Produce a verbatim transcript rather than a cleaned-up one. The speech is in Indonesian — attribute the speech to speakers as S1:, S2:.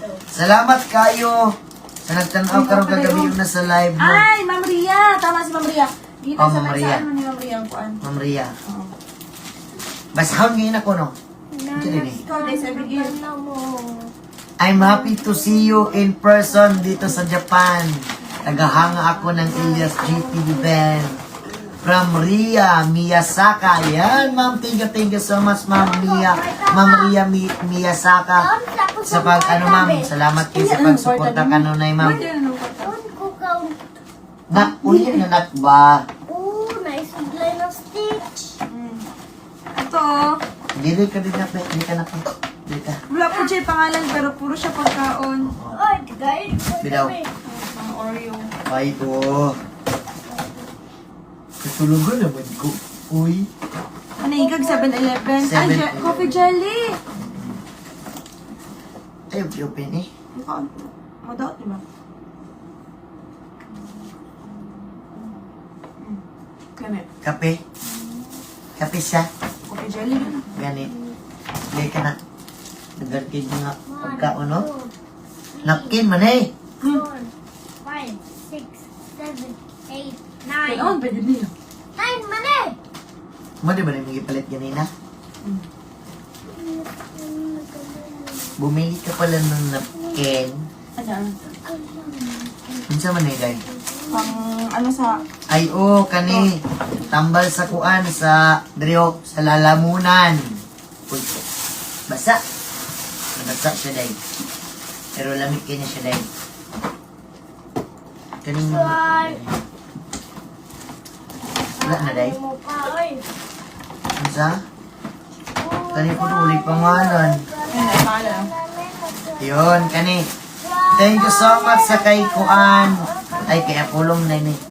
S1: Salamat kayo sa nagtanaw karong kagabi yung nasa live mo.
S2: Ay, Ma'am Ria. Tama si Ma'am Ria. Dito
S1: Oh,
S2: sa
S1: Ma'am Ria.
S2: ano ni Ma'am Ria ang kuan.
S1: Ma'am Ria.
S2: Oo.
S1: Basahon ngayon ako, no? Ito din eh.
S2: Ikaw, Day, sabi ko.
S1: I'm happy to see you in person dito sa Japan. Nagahanga ako ng Ilyas G T V band. From Ria Miyasaka. Yan, ma'am. Thank you, thank you so much, ma'am Mia. Ma'am Ria Mi Miyasaka. Sa pag, ano, ma'am. Salamat kayo sa pagsuporta kanunay, ma'am.
S2: Pwede na nung kata.
S1: Nak, ulit na nak ba?
S3: Oh, nice line of stitch.
S2: Hmm. Ito.
S1: Dili ka din na, hindi ka na pa. Dili ka.
S2: Wala po siya pangalan pero puro siya pagkaon.
S3: Oh, guys.
S1: Bidaw.
S2: Ang Oreo.
S1: Ay, ko. Katulugan naman ko. Uy.
S2: Ano ikag seven eleven? Ay,
S1: seven
S2: je- coffee jelly.
S1: Ay, open eh.
S2: Mukha. Madot, di ba? Hmm. Ganit.
S1: Kape. Kape siya.
S2: Coffee jelly. Ganit.
S1: Ganit. Dili ka na. Nagarkid nga pagkaon, no? Napkin man eh.
S3: Four, five, six, seven, eight, nine.
S2: Kailangan pwede niya.
S3: Nine, mali!
S1: Mo di ba rin magipalit ganina?
S2: Hmm.
S1: Bumili ka pala ng napkin.
S2: Ano?
S1: Unsa man eh, guys?
S2: Pang ano sa...
S1: Ay, oh, kani. Tambal sa kuan sa Drio, sa lalamunan. Uy, basa. Basa siya, day. Pero lamig kanya siya, day. Kaning
S3: Ay.
S1: wala na, day.
S3: Mo pa, oy.
S1: Unsa? Kani po ulit pangalan.
S2: Ano, pangalan?
S1: Yun, kani. Thank you so much sa kay Kuan. Ay, kaya pulong na ni.